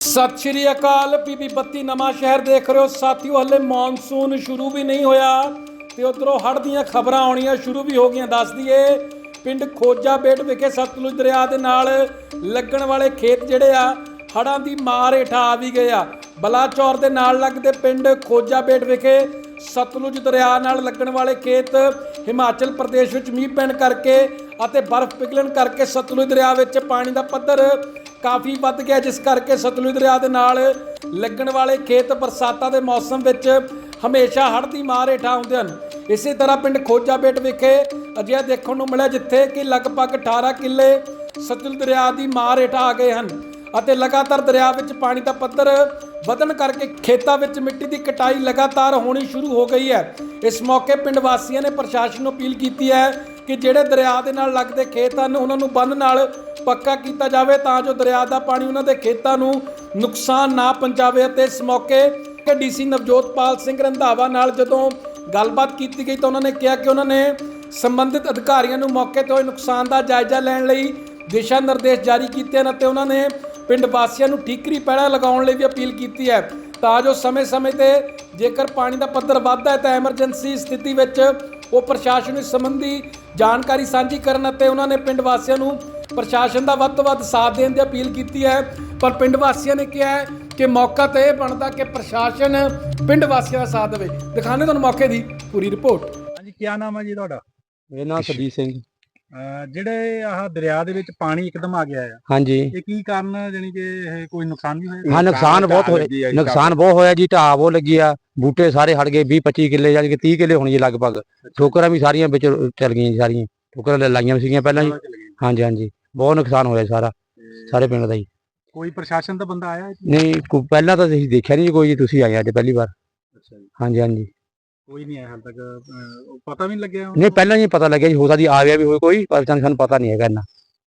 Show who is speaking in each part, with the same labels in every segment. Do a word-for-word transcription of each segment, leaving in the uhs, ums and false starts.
Speaker 1: ਸਤਿ ਸ਼੍ਰੀ ਅਕਾਲ। ਪੀਪੀ ਬੱਤੀ ਨਵਾਂ ਸ਼ਹਿਰ ਦੇਖ ਰਹੇ ਹੋ ਸਾਥੀਓ। ਹਲੇ ਮੌਨਸੂਨ ਸ਼ੁਰੂ ਵੀ ਨਹੀਂ ਹੋਇਆ ਤੇ ਉਧਰੋਂ ਹੜ੍ਹ ਦੀਆਂ ਖਬਰਾਂ ਆਉਣੀਆਂ ਸ਼ੁਰੂ ਵੀ ਹੋ ਗਈਆਂ। ਦੱਸ ਦਈਏ ਪਿੰਡ ਖੋਜਾ ਬੇਟ ਵਿਖੇ ਸਤਲੁਜ ਦਰਿਆ ਦੇ ਨਾਲ ਲੱਗਣ ਵਾਲੇ ਖੇਤ ਜਿਹੜੇ ਆ ਹੜ੍ਹਾਂ ਦੀ ਮਾਰ ਹੇਠਾਂ ਆ ਵੀ ਗਏ ਆ। ਬਲਾਚੌਰ ਦੇ ਨਾਲ ਲੱਗਦੇ ਪਿੰਡ ਖੋਜਾ ਬੇਟ ਵਿਖੇ ਸਤਲੁਜ ਦਰਿਆ ਨਾਲ ਲੱਗਣ ਵਾਲੇ ਖੇਤ ਹਿਮਾਚਲ ਪ੍ਰਦੇਸ਼ ਵਿੱਚ ਮੀਂਹ ਪੈਣ ਕਰਕੇ ਅਤੇ ਬਰਫ਼ ਪਿਘਲਣ ਕਰਕੇ ਸਤਲੁਜ ਦਰਿਆ ਵਿੱਚ ਪਾਣੀ ਦਾ ਪੱਧਰ ਕਾਫੀ ਵੱਧ ਗਿਆ, ਜਿਸ ਕਰਕੇ ਸਤਲੁਜ ਦਰਿਆ ਦੇ ਨਾਲ ਲੱਗਣ ਵਾਲੇ ਖੇਤ ਬਰਸਾਤਾਂ ਦੇ ਮੌਸਮ ਵਿੱਚ ਹਮੇਸ਼ਾ ਹੜ੍ਹ ਦੀ ਮਾਰ ਹੇਠਾਂ ਆਉਂਦੇ ਹਨ। ਇਸੇ ਤਰ੍ਹਾਂ ਪਿੰਡ ਖੋਜਾ ਬੇਟ ਵਿਖੇ ਅਜਿਹਾ ਦੇਖਣ ਨੂੰ ਮਿਲਿਆ ਜਿੱਥੇ ਕਿ ਲਗਭਗ ਅਠਾਰਾਂ ਕਿੱਲੇ ਸਤਲੁਜ ਦਰਿਆ ਦੀ ਮਾਰ ਹੇਠਾਂ ਆ ਗਏ ਹਨ ਅਤੇ ਲਗਾਤਾਰ ਦਰਿਆ ਵਿੱਚ ਪਾਣੀ ਦਾ ਪੱਧਰ ਵਧਣ ਕਰਕੇ ਖੇਤਾਂ ਵਿੱਚ ਮਿੱਟੀ ਦੀ ਕਟਾਈ ਲਗਾਤਾਰ ਹੋਣੀ ਸ਼ੁਰੂ ਹੋ ਗਈ ਹੈ। ਇਸ ਮੌਕੇ ਪਿੰਡ ਵਾਸੀਆਂ ਨੇ ਪ੍ਰਸ਼ਾਸਨ ਨੂੰ ਅਪੀਲ ਕੀਤੀ ਹੈ ਕਿ ਜਿਹੜੇ ਦਰਿਆ ਦੇ ਨਾਲ ਲੱਗਦੇ ਖੇਤ ਹਨ ਉਹਨਾਂ ਨੂੰ ਬੰਨ੍ਹ ਨਾਲ ਪੱਕਾ ਕੀਤਾ ਜਾਵੇ ਤਾਂ ਜੋ ਦਰਿਆ ਦਾ ਪਾਣੀ ਉਹਨਾਂ ਦੇ ਖੇਤਾਂ ਨੂੰ ਨੁਕਸਾਨ ਨਾ ਪਹੁੰਚਾਵੇ। ਅਤੇ ਇਸ ਮੌਕੇ ਡੀਸੀ ਨਵਜੋਤਪਾਲ ਸਿੰਘ ਰੰਧਾਵਾ ਨਾਲ ਜਦੋਂ ਗੱਲਬਾਤ ਕੀਤੀ ਗਈ ਤਾਂ ਉਹਨਾਂ ਨੇ ਕਿਹਾ ਕਿ ਉਹਨਾਂ ਨੇ ਸੰਬੰਧਿਤ ਅਧਿਕਾਰੀਆਂ ਨੂੰ ਮੌਕੇ ਤੇ ਹੋਏ ਨੁਕਸਾਨ ਦਾ ਜਾਇਜ਼ਾ ਲੈਣ ਲਈ ਦਿਸ਼ਾ ਨਿਰਦੇਸ਼ ਜਾਰੀ ਕੀਤੇ ਹਨ ਅਤੇ ਉਹਨਾਂ ਨੇ ਪਿੰਡ ਵਾਸੀਆਂ ਨੂੰ ਠੀਕਰੀ ਪੈੜਾ ਲਗਾਉਣ ਲਈ ਵੀ ਅਪੀਲ ਕੀਤੀ ਹੈ ਤਾਂ ਜੋ ਸਮੇਂ-ਸਮੇਂ ਤੇ ਜੇਕਰ ਪਾਣੀ ਦਾ ਪੱਧਰ ਵੱਧਦਾ ਹੈ ਤਾਂ ਐਮਰਜੈਂਸੀ ਸਥਿਤੀ ਵਿੱਚ ਉਹ ਪ੍ਰਸ਼ਾਸਨ ਇਸ ਸੰਬੰਧੀ ਜਾਣਕਾਰੀ ਸਾਂਝੀ ਕਰਨ ਅਤੇ ਉਹਨਾਂ ਨੇ ਪਿੰਡ ਵਾਸੀਆਂ ਨੂੰ ਪ੍ਰਸ਼ਾਸਨ ਦਾ ਵੱਧ ਤੋਂ ਵੱਧ ਸਾਥ ਦੇਣ ਦੀ ਅਪੀਲ ਕੀਤੀ ਹੈ। ਪਰ ਪਿੰਡ ਵਾਸੀਆਂ ਨੇ ਕਿਹਾ ਹੈ ਕਿ ਮੌਕਾ ਤਾਂ ਇਹ ਬਣਦਾ ਕਿ ਪ੍ਰਸ਼ਾਸਨ ਪਿੰਡ ਵਾਸੀਆਂ ਦਾ ਸਾਥ ਦੇਵੇ। ਦਿਖਾਣੇ ਤੁਹਾਨੂੰ ਮੌਕੇ ਦੀ ਪੂਰੀ ਰਿਪੋਰਟ।
Speaker 2: ਹਾਂਜੀ, ਕੀ ਨਾਮ ਹੈ ਜੀ ਤੁਹਾਡਾ?
Speaker 3: ਮੇਰਾ ਨਾਮ ਸਰਜੀਤ ਸਿੰਘ।
Speaker 2: ਅਹ ਜਿਹੜੇ ਆਹ ਦਰਿਆ ਦੇ ਵਿੱਚ ਪਾਣੀ ਇੱਕਦਮ ਆ ਗਿਆ ਆ,
Speaker 3: ਹਾਂਜੀ,
Speaker 2: ਇਹ ਕੀ ਕਾਰਨ ਜਾਨੀ ਕਿ ਇਹ ਕੋਈ ਨੁਕਸਾਨ ਵੀ ਹੋਇਆ?
Speaker 3: ਹਾਂ, ਨੁਕਸਾਨ ਬਹੁਤ ਹੋਇਆ, ਨੁਕਸਾਨ ਬਹੁਤ ਹੋਇਆ ਜੀ। ਢਾਹ ਬਹੁਤ ਲੱਗੀ ਆ, ਬੂਟੇ ਸਾਰੇ ਹੜ ਗਏ। ਵੀਹ ਪੱਚੀ ਕਿੱਲੇ ਜਾਨੀ ਕਿ ਤੀਹ ਕਿੱਲੇ ਹੋਣੀ ਜੀ ਲਗਭਗ। ਠੋਕਰਾਂ ਵੀ ਸਾਰੀਆਂ ਵਿੱਚ ਚਲ ਗਈਆਂ ਜੀ, ਸਾਰੀਆਂ ਠੋਕਰਾਂ ਲਾਈਆਂ ਸੀਗੀਆਂ ਪਹਿਲਾਂ ਜੀ। ਹਾਂਜੀ ਹਾਂਜੀ, ਬਹੁਤ ਨੁਕਸਾਨ ਹੋਇਆ ਸਾਰਾ, ਸਾਰੇ ਪਿੰਡ ਦਾ ਜੀ।
Speaker 2: ਕੋਈ ਪ੍ਰਸ਼ਾਸਨ ਦਾ ਬੰਦਾ ਆਇਆ?
Speaker 3: ਨਹੀਂ, ਕੋਈ ਪਹਿਲਾਂ ਤਾਂ ਅਸੀਂ ਦੇਖਿਆ ਨਹੀਂ ਕੋਈ ਜੀ, ਤੁਸੀਂ ਆਏ ਅੱਜ ਪਹਿਲੀ ਵਾਰ।
Speaker 2: ਅੱਛਾ ਜੀ,
Speaker 3: ਹਾਂਜੀ ਹਾਂਜੀ,
Speaker 2: ਕੋਈ ਨਹੀਂ ਆਇਆ ਹਾਲ ਤੱਕ? ਅਹ ਪਤਾ ਵੀ ਨਹੀਂ ਲੱਗਿਆ?
Speaker 3: ਨਹੀਂ, ਪਹਿਲਾਂ ਹੀ ਪਤਾ ਲੱਗਿਆ ਜੀ, ਹੋ ਸਕਦੀ ਆ ਗਿਆ ਵੀ ਹੋਵੇ ਕੋਈ, ਪਰ ਸਾਨੂੰ ਪਤਾ ਨਹੀਂ ਹੈਗਾ ਇੰਨਾ।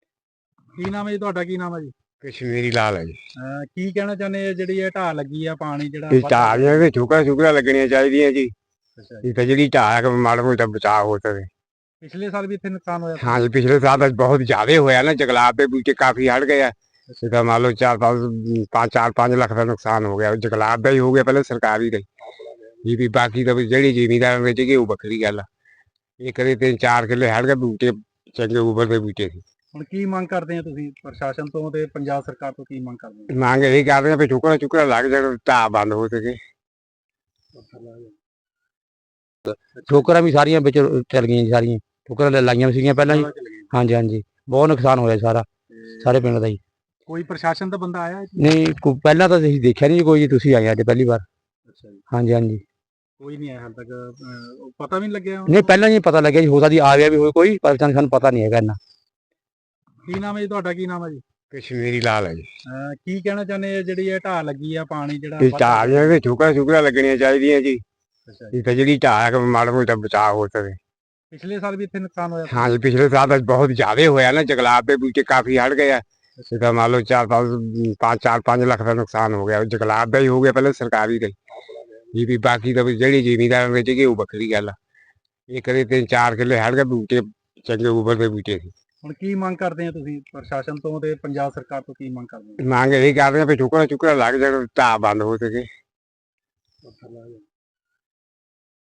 Speaker 2: ਕੀ ਨਾਮ ਹੈ ਜੀ ਤੁਹਾਡਾ? ਕੀ ਨਾਮ ਹੈ ਜੀ?
Speaker 4: ਕਸ਼ਮੀਰੀ ਲਾਲ ਹੈ ਜੀ।
Speaker 2: ਅਹ ਕੀ ਕਹਿਣਾ ਚਾਹੁੰਦੇ ਆ ਜਿਹੜੀ ਇਹ ਢਾਹ ਲੱਗੀ ਆ, ਪਾਣੀ ਜਿਹੜਾ
Speaker 4: ਇਹ ਢਾਹ ਦੀਆਂ ਵੀ ਠੋਕਰਾਂ ਠੁਕਰਾਂ ਲੱਗਣੀਆਂ ਚਾਹੀਦੀਆਂ ਜੀ।
Speaker 2: ਅੱਛਾ ਜੀ,
Speaker 4: ਇਹ ਤਾਂ ਜਿਹੜੀ ਢਾਹ ਹੈ ਮਾੜਾ ਮੋਟਾ ਬਚਾਅ ਹੋ ਸਕੇ।
Speaker 2: ਪਿਛਲੇ ਸਾਲ ਵੀ ਇੱਥੇ ਨੁਕਸਾਨ ਹੋਇਆ ਸੀ?
Speaker 4: ਹਾਂ ਜੀ, ਪਿਛਲੇ ਸਾਲ ਤਾਂ ਬਹੁਤ ਜ਼ਿਆਦਾ ਹੋਇਆ ਨਾ, ਜੰਗਲਾਤ ਦੇ ਬੂਟੇ ਕਾਫੀ ਹੜ ਗਏ ਆ। ਇਹ ਤਾਂ ਮੰਨ ਲਓ ਚਾਰ ਪੰਜ ਪੰਜ ਚਾਰ ਪੰਜ ਲੱਖ ਦਾ ਨੁਕਸਾਨ ਹੋ ਗਿਆ। ਜੰਗਲਾਤ ਦਾ ਹੀ ਹੋ ਗਿਆ ਪਹਿਲਾਂ, ਸਰਕਾਰੀ ਦਾ ਹੀ ਵੀ। ਬਾਕੀ ਤਾਂ ਜਿਹੜੀ ਜ਼ਿਮੀਂਦਾਰਾਂ ਵਿੱਚ ਗਈ ਉਹ ਵੱਖਰੀ ਗੱਲ ਆ। ਇਹ ਕਦੇ ਤਿੰਨ ਚਾਰ ਕਿੱਲੇ ਹੜ ਗਏ, ਬੂਟੇ ਚੰਗੇ ਉਬਰ ਦੇ ਬੂਟੇ ਸੀ।
Speaker 2: ਹੁਣ ਕੀ ਮੰਗ ਕਰਦੇ ਆ ਤੁਸੀਂ ਪ੍ਰਸ਼ਾਸਨ ਤੋਂ ਤੇ ਪੰਜਾਬ ਸਰਕਾਰ ਤੋਂ? ਕੀ ਮੰਗ ਕਰਦੇ
Speaker 4: ਮੰਗ ਇਹ ਕਰਦੇ ਆ ਵੀ ਠੋਕਰਾਂ ਠੁਕਰਾਂ ਲੱਗ ਜਾਣ, ਢਾਹ ਬੰਦ ਹੋ ਸਕੇ।
Speaker 3: ਠੋਕਰਾਂ ਵੀ ਸਾਰੀਆਂ ਵਿੱਚ ਚਲ ਗਈਆਂ ਜੀ, ਸਾਰੀਆਂ ਠੋਕਰਾਂ ਲਾਈਆਂ ਸੀਗੀਆਂ ਪਹਿਲਾਂ ਜੀ। ਹਾਂਜੀ ਹਾਂਜੀ, ਬਹੁਤ ਨੁਕਸਾਨ ਹੋਇਆ ਸਾਰਾ, ਸਾਰੇ ਪਿੰਡ ਦਾ ਜੀ।
Speaker 2: ਕੋਈ ਪ੍ਰਸ਼ਾਸਨ ਦਾ ਬੰਦਾ ਆਇਆ?
Speaker 3: ਨਹੀਂ, ਕੋਈ ਪਹਿਲਾਂ ਤਾਂ ਅਸੀਂ ਦੇਖਿਆ ਨਹੀਂ ਕੋਈ ਜੀ, ਤੁਸੀਂ ਆਏ ਅੱਜ ਪਹਿਲੀ ਵਾਰ।
Speaker 2: ਅੱਛਾ ਜੀ,
Speaker 3: ਹਾਂਜੀ ਹਾਂਜੀ,
Speaker 2: ਕੋਈ ਨਹੀਂ ਆਇਆ ਹਾਲ ਤੱਕ? ਅਹ ਪਤਾ ਵੀ ਨਹੀਂ ਲੱਗਿਆ?
Speaker 3: ਨਹੀਂ, ਪਹਿਲਾਂ ਹੀ ਪਤਾ ਲੱਗਿਆ ਜੀ, ਹੋ ਸਕਦੀ ਆ ਗਿਆ ਵੀ ਹੋਵੇ ਕੋਈ, ਪਰ ਸਾਨੂੰ ਪਤਾ ਨਹੀਂ ਹੈਗਾ ਇੰਨਾ।
Speaker 2: ਕੀ ਨਾਮ ਹੈ ਜੀ ਤੁਹਾਡਾ? ਕੀ ਨਾਮ ਹੈ ਜੀ?
Speaker 4: ਕਸ਼ਮੀਰੀ ਲਾਲ ਹੈ ਜੀ।
Speaker 2: ਅਹ ਕੀ ਕਹਿਣਾ ਚਾਹੁੰਦੇ ਆ ਜਿਹੜੀ ਇਹ ਢਾਹ ਲੱਗੀ ਆ, ਪਾਣੀ ਜਿਹੜਾ
Speaker 4: ਇਹ ਢਾਹ ਦੀਆਂ ਵੀ ਠੋਕਰਾਂ ਠੁਕਰਾਂ ਲੱਗਣੀਆਂ ਚਾਹੀਦੀਆਂ ਜੀ।
Speaker 2: ਅੱਛਾ ਜੀ,
Speaker 4: ਇਹ ਤਾਂ ਜਿਹੜੀ ਢਾਹ ਹੈ ਮਾੜਾ ਮੋਟਾ ਬਚਾਅ ਹੋ ਸਕੇ।
Speaker 2: ਪਿਛਲੇ ਸਾਲ ਵੀ ਇੱਥੇ ਨੁਕਸਾਨ ਹੋਇਆ ਸੀ?
Speaker 4: ਹਾਂ ਜੀ, ਪਿਛਲੇ ਸਾਲ ਤਾਂ ਬਹੁਤ ਜ਼ਿਆਦਾ ਹੋਇਆ ਨਾ, ਜੰਗਲਾਤ ਦੇ ਬੂਟੇ ਕਾਫੀ ਹੜ ਗਏ ਆ। ਇਹ ਤਾਂ ਮੰਨ ਲਓ ਚਾਰ ਪੰਜ ਪੰਜ ਚਾਰ ਪੰਜ ਲੱਖ ਦਾ ਨੁਕਸਾਨ ਹੋ ਗਿਆ। ਜੰਗਲਾਤ ਦਾ ਹੀ ਹੋ ਗਿਆ ਪਹਿਲਾਂ, ਸਰਕਾਰੀ ਦਾ ਹੀ ਵੀ। ਬਾਕੀ ਤਾਂ ਜਿਹੜੀ ਜ਼ਿਮੀਂਦਾਰਾਂ ਵਿੱਚ ਗਈ ਉਹ ਵੱਖਰੀ ਗੱਲ ਆ। ਇਹ ਕਦੇ ਤਿੰਨ ਚਾਰ ਕਿੱਲੇ ਹੜ ਗਏ, ਬੂਟੇ ਚੰਗੇ ਉਬਰ ਦੇ ਬੂਟੇ ਸੀ।
Speaker 2: ਹੁਣ ਕੀ ਮੰਗ ਕਰਦੇ ਆ ਤੁਸੀਂ ਪ੍ਰਸ਼ਾਸਨ ਤੋਂ ਤੇ ਪੰਜਾਬ ਸਰਕਾਰ ਤੋਂ? ਕੀ ਮੰਗ ਕਰਦੇ
Speaker 4: ਮੰਗ ਇਹ ਕਰਦੇ ਆ ਵੀ ਠੋਕਰਾਂ ਠੁਕਰਾਂ ਲੱਗ ਜਾਣ, ਢਾਹ ਬੰਦ ਹੋ ਸਕੇ।
Speaker 2: ਆ?